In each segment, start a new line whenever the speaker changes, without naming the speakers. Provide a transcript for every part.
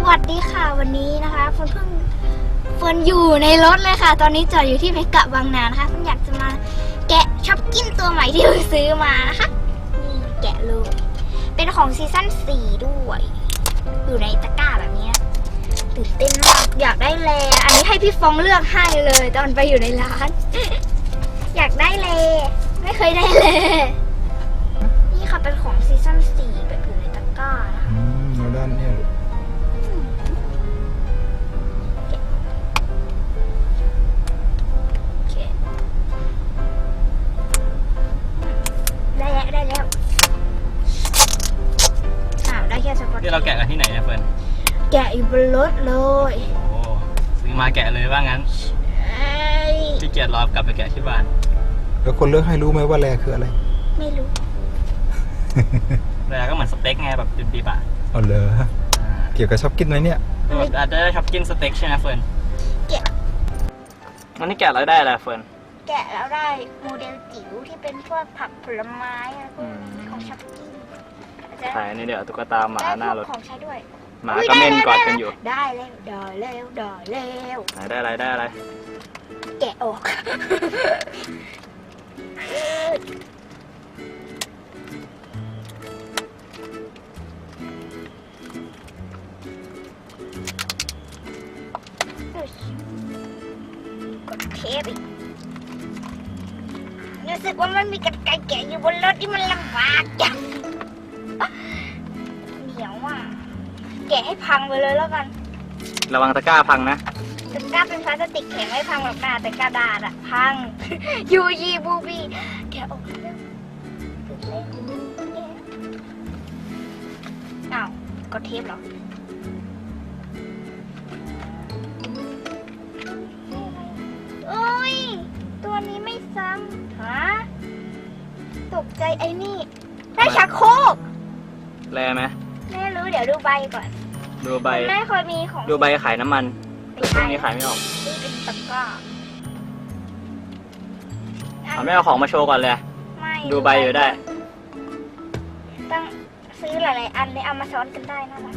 วัสดีค่ะวันนี้นะคะเฟิร์นอยู่ในรถเลยค่ะตอนนี้จอดอยู่ที่เมกะบางนานะคะเฟิร์นอยากจะมาแกะช็อปกิ้นตัวใหม่ที่เพิ่งซื้อมานะคะนี่แกะเลยเป็นของซีซั่น4ด้วยอยู่ในตะกร้าแบบนี้ตื่นเต้นมากอยากได้แลอันนี้ให้พี่ฟองเลือกให้เลยตอนไปอยู่ในร้าน อยากได้แลไม่เคยได้แลนี่ค่ะเป็นของซีซั่น4แบบอยู่ในตะกร้านะคะ
เอาด้านเนี่ย
ได้แล้วได้แค่สปอต
ที่เราแกะกันที่ไหนเนี่ยเฟิร์น
แกะอยู่บนรถเลย
โอ้ซื้อมาแกะเลยว่างั้นพี่เกียรติรอกลับไปแกะที่บ้าน
แล้วคนเลือกให้รู้ไหมว่าแลคืออะไร
ไม่รู้
แล้วก็เหมือนสเต็กไงแบบดิบๆอ่ะ
เอาเลยเกี่ยวกับชอบกินไหมเนี่ย
อาจจะได้ชอบกินสเต็กใช่ไหมเฟิร์น
แกะ
วันนี้แกะแล้วได้อะไรเฟิร์น
แกะแล้วได้โมเดลจิ๋วที่เป็นพวกผักผลไม้อะไรพวกนี้ของช็อปกิ้ง
ถ่ายนี่เดี๋ยวตุ๊กตาหมาหน้ารถ
ของใช้ด้วย
หมาก็เม่นกอดกันอยู่
ได้แล้ว
ไหนได้อะไรได้อะไร
แกะออกกดเทปอีกรู้สึกว่ามันมีกรรไกรแกะอยู่บนรถที่มันลำบากจังเหนียวอ่ะแกะให้พังไปเลยแล้วกัน
ระวังตะกร้าพังนะ
ตะกร้าเป็นพลาสติกแข็งไม่พังหรอกนะแต่กระดาษอะพัง ยูยีบูบีแกะออกเร็วอ้าวกดเทปเหรอโอ้ยตัวนี้ไม่ซ้ำฮะตกใจไอ้นี่ได้ชักโครก
แลไหม
ไม่รู้เดี๋ยวดูใบก่อน
ดูใบ
ไม่เคยมีของ
ดูใบขายน้ำมันช่วงนี้ขายไม่ออก
นี่เป็นตะกร้า
เอาไม่เอาของมาโชว์ก่อนเลย
ไม่
ดูใบอยู่ได้
ต้องซื้อหลายๆอันเลยเอามาซ้อนกันได้น่ารัก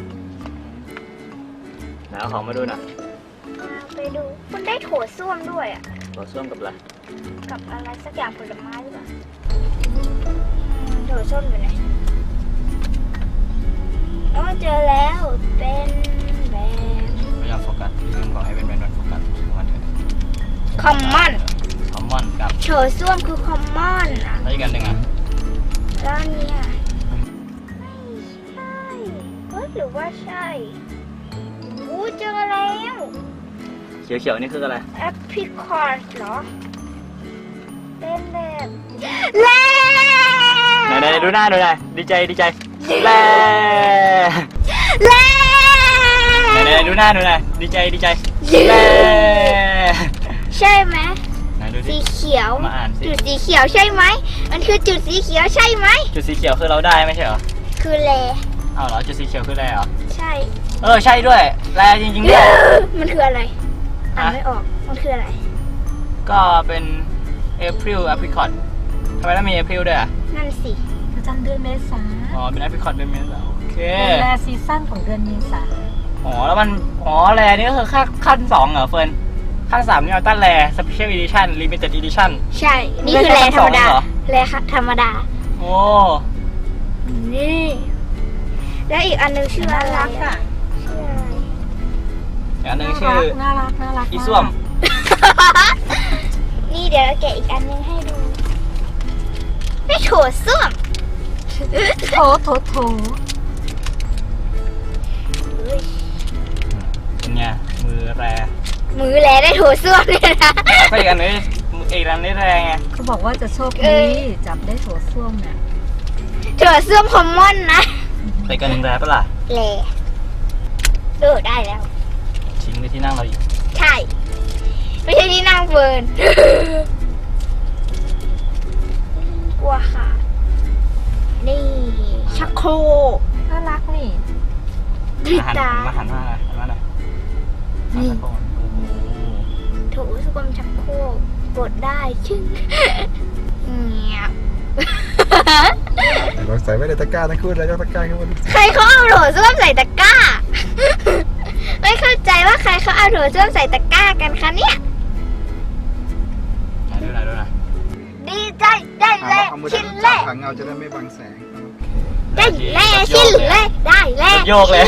ไหนเอาของมาดูหน่อย
ไปดูคุณได้โถส้วมด้วยอ่ะ
ต่อส้วมกับอะไร
กับอะไรสักอย่างผลไม้หรือเปล่าโถส้วมอยู่ไหนอ๋อเจอแล้วเป็นแบบ
ไม่ยอมโฟกัสพี่ลืมบอกให้เป็นแบรนด์โฟกัสมันเถอะ
คอมมอน
คอมมอนกับ
โถส้วมคือคอมมอนอ่ะ
แล้วอีกอันหนึ่งอ่ะ
แล้วเนี่ยไม่ใช่เฮ้ยหรือว่าใช่อู้เจอแล้ว
เขียวๆนี่คืออะไร
แอปพลิคอร์ดเหรอเป็นแบบแล่
ไหนดูหน้าดูหน่อยดีใจแล่
แล่
ไหนดูหน้าดูหน่อยดีใจแล่
ใช่ไหม
ไหนดูสิ
สีเขียว
มาอ่านสิ
จุดสีเขียวใช่ไหมมันคือจุดสีเขียวใช่ไหม
จุดสีเขียวคือเราได้ไม่ใช่เหรอ
คือแล
อ้าวเหรอจุดสีเขียวคืออะไรเหรอ
ใช่
ใช่ด้วยแร่จริงๆด้วย
มันคืออะไรอ่านไม่ออกมันคืออะไร
ก็เป็น April Apricot ทำไมต้องมี April ด้วยอ่ะ
นั่นสิ
ประจำเดือนเมษา
อ๋อเป็น Apricot เป็นเมษาโอเค
เป็นแรซีซั่นของเดือนเมษา
แล้วมันแร่นี่ก็คือขั้น2เหรอเฟิร์นขั้น3นี่เอาตั้นแร่ Special Edition Limited Edition
ใช่นี่คือแลธรรมดา
เหรอ
แลธรรมดา
โอ้
นี่แล้วอีกอันนึงชื่ออะไร
น่ารักอ่ะ
ชื่ออะไร
อีกอันหนึงชื่อ
น่ารัก
อีส้วม
นี่เดี๋ยวเราแกะอีกอันนึงให้ดูไม่โถส้วม
โถ
เฮ้ย
เป็นไงมือแร่
มือแลได้โถส้วมเนี่ยนะ
ก็อีกอันนึงอีกอันนี้แร่ไง
เขาบอกว่าจะโชค
เอ้
ดี
ย
จับได้โถส้วมเนี่ย
โถส้วมคอมมอนนะ
แต่อีกอันหนึงแร่ปะล่ะ
แลได้แล้ว
ทิ้งในที่นั่งเราอีก
ใช่ ไม่ใช่ที่นั่งเฟิร์น กลัวค่ะ นี่ชักโครก
น่ารักนี่
ดิตา
มาหันมาหน่อยหันมาหน่อย
นี่
หันมาก่อนโอ้โห
โถส้วมชักโครกกดได้ชึ้งเงียบ
ลองใส่ไว้ในตะกร้าทั้งคู่แล้วก็ตะกร้าขึ้นมาดู
ใครเขาเอาโถส้วมใส่ตะกร้าไม่เข้าใจว่าใครเขาเอาโถส้วมใส่ตะกร้ากันคะเนี่ย
ดูหน่อย
ดีใจได้เลย
เอามือ
ชิ้น
จั
แร
บ
ก
หางเงาจะได้ไม่บังแสง
ได้แล้วชิ้นแรกได้แล้ว
โยกเลย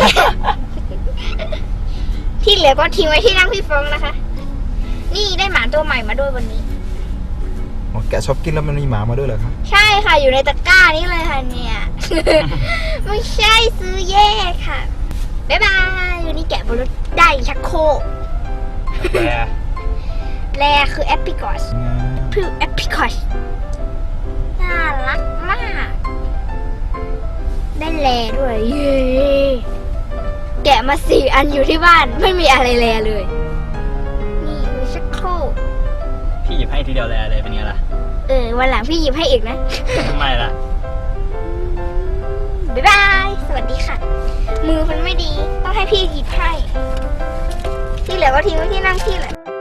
ที่เหลือก็ทิ้งไว้ที่นั่งพี่ฟองนะคะ นี่ได้หมาตัวใหม่มาด้วยวันนี้
อ๋อแกะชอบกินแล้วมันมีหมามาด้วยเหรอครับ ใช่
ค่ะอยู่ในตะกร้านี้เลยค่ะเนี่ย ไม่ใช่ซื้อแยกค่ะ บ๊ายบายวันนี้แกะบนรถได้ชักโครก
แล
แลคือแอปพิคอสคือแอปพิคอสน่ารักมาก ได้แลด้วย เย้แกะมา4 อันอยู่ที่บ้านไม่มีอะไรแลเลย นี่คือชักโครก
พี่หยิบให้ทีเดียวแลเลยเป็นไงล่ะ
วันหลังพี่หยิบให้อีกนะ
ไม่ละ
บ๊ายบาย สวัสดีค่ะ มือมันไม่ดี ต้องให้พี่หยิบให้ ที่เหลือก็ทิ้งไว้ที่นั่งพี่แหละ